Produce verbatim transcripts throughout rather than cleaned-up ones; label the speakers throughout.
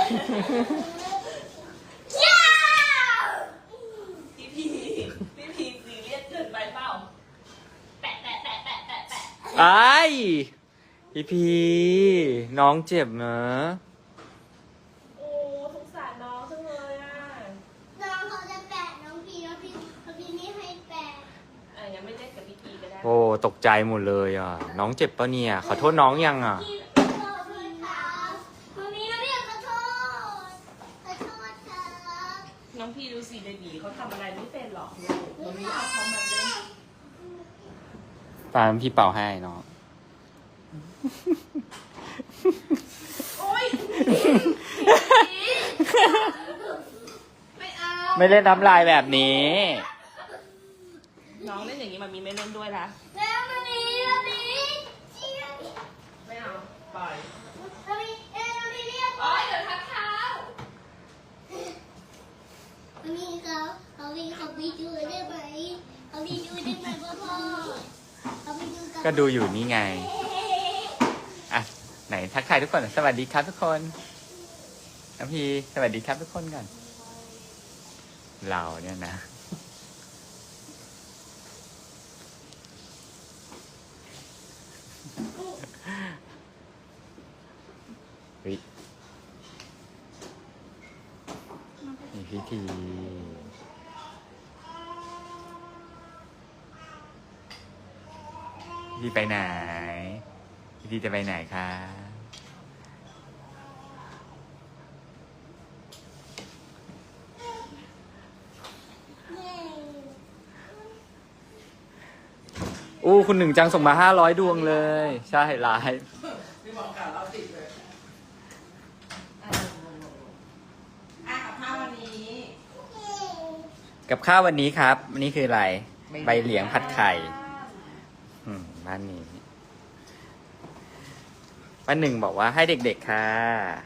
Speaker 1: พี่พีพี่พีซีเรียสเกินไปเปล่าแปะแปะแปะแปะแปะแปะ
Speaker 2: ไอ้พี่พีน้องเจ็บนะ
Speaker 1: โอ้สงสารน้องจังเลยอ่ะ
Speaker 3: น้องเขาจะแปะน้องพีน้องพีน้องพีไม่ให้แปะ
Speaker 1: อ่ะยังไม่ได้กับพี่พีก็ได้
Speaker 2: โอ้ตกใจหมดเลยอ่ะน้องเจ็บปะเนี่ยขอโทษน้องยังอ่ะ
Speaker 3: พี่ขอโทษครับวันนี้น้องพีขอโทษขอโทษครับ
Speaker 1: น้องพี่ดูสิเบบีเขาทำอะไรไม่เป็นหรอกลูกมันมีเอาเขามาเล่น
Speaker 2: ตามพี่เป่าให้น้อง
Speaker 1: โอ๊ยไม่เอา
Speaker 2: ไม่เล่นน้ำลายแบบนี้
Speaker 1: น้องเล่นอย่างนี้มันมีไม่เล่นด้วยละ
Speaker 3: แล้ววันนี้วันนี้เชียร์
Speaker 1: ไม่เอาปล่อย
Speaker 3: วันนี้เอ้ยวันนี้เรียก
Speaker 1: โอ๊ยเดี๋ยวทักเท้า
Speaker 3: วันนี้เขาเขาไปเขาไปดูได้ไหมเขาไปดูได้ไหมพ่อพ่อเขาไปดูกัน
Speaker 2: ก็ดูอยู่นี่ไงอ่ะไหนทักทายทุกคนสวัสดีครับทุกคนน้องพีสวัสดีครับทุกคนก่อนเราเนี่ยนะเฮ้ยมีพิธีพี่ไปไหนพี่จะไปไหนคะอู้คุณหนึ่งจังส่งมาห้าร้อยดวงเลย ใช่ไลฟ์
Speaker 4: พี่บอกกล่าวเราติดเลยอ่ะอ่ะกับข้าววันนี้
Speaker 2: กับข้าววันนี้ครับวันนี้คืออะไร ใบเหลียงผัดไข่อืมบ้านนี้ป้าหนึ่งบอกว่าให้เด็กๆค่ะ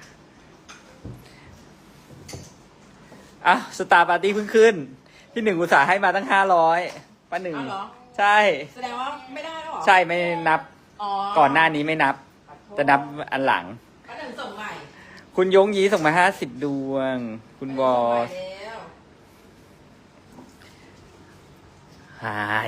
Speaker 2: อ่ะสตาร์ปาร์ตี้เพิ่งขึ้นพี่หนึ่งอุตส่าห์ให้มาตั้งห้าร้อยป้าหนึ่ง
Speaker 4: เอาเหรอ
Speaker 2: ใช่
Speaker 4: แสดงว่าไม่ได้แล้วเหรอ
Speaker 2: ใช่ไม่นับ
Speaker 4: อ๋อ
Speaker 2: ก่อนหน้านี้ไม่นับ จะนับอันหลัง
Speaker 4: ป้าหนึ่งส่งใหม่
Speaker 2: คุณยงยีส่งมาห้าสิบดวง คุณบอส
Speaker 4: ส่งใหม่แล้ว
Speaker 2: ไฮ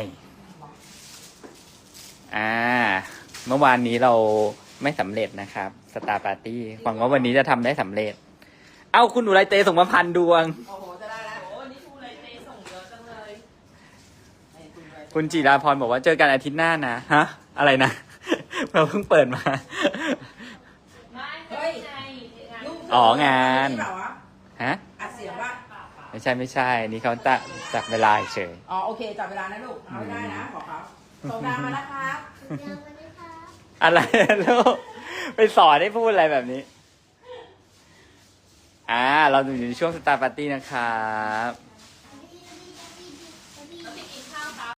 Speaker 2: อ่า เมื่อวานนี้เราไม่สำเร็จนะครับสตาร์ปาร์ตี้หวังว่าวันนี้จะทำได้สำเร็จ เอ้าคุณอุไรเตส่งมาพันดวง
Speaker 4: โอ้โหจะได้แล้ว
Speaker 1: โอ้วันนี้ครูเลยเตส่งเยอะจังเลย
Speaker 4: ไอ้คุณไว้
Speaker 2: คุณจิราพรบอกว่าเจอกันอาทิตย์หน้านะ ฮะ อะไรนะ เราเพิ่งเปิดมา
Speaker 1: ไม่ไม่ใช่งาน
Speaker 4: ลูก
Speaker 2: อ๋องาน
Speaker 4: นี่เปล่าวะ
Speaker 2: ฮะ
Speaker 4: อัดเสียงว่า
Speaker 2: ไม่ใช่ไม่ใช่ นี่เขาตะจับเวลาเฉย
Speaker 4: อ๋อโอเคจับเวลานะลูกเอาได้นะขอเขาส่งดาวมาแล้วครับ
Speaker 3: เดี๋ยววันนี้ครับ
Speaker 2: อะไรลูกไปสอนให้พูดอะไรแบบนี้ อ่า เราอยู่ในช่วงสตาร์ปาร์ตี้นะครับ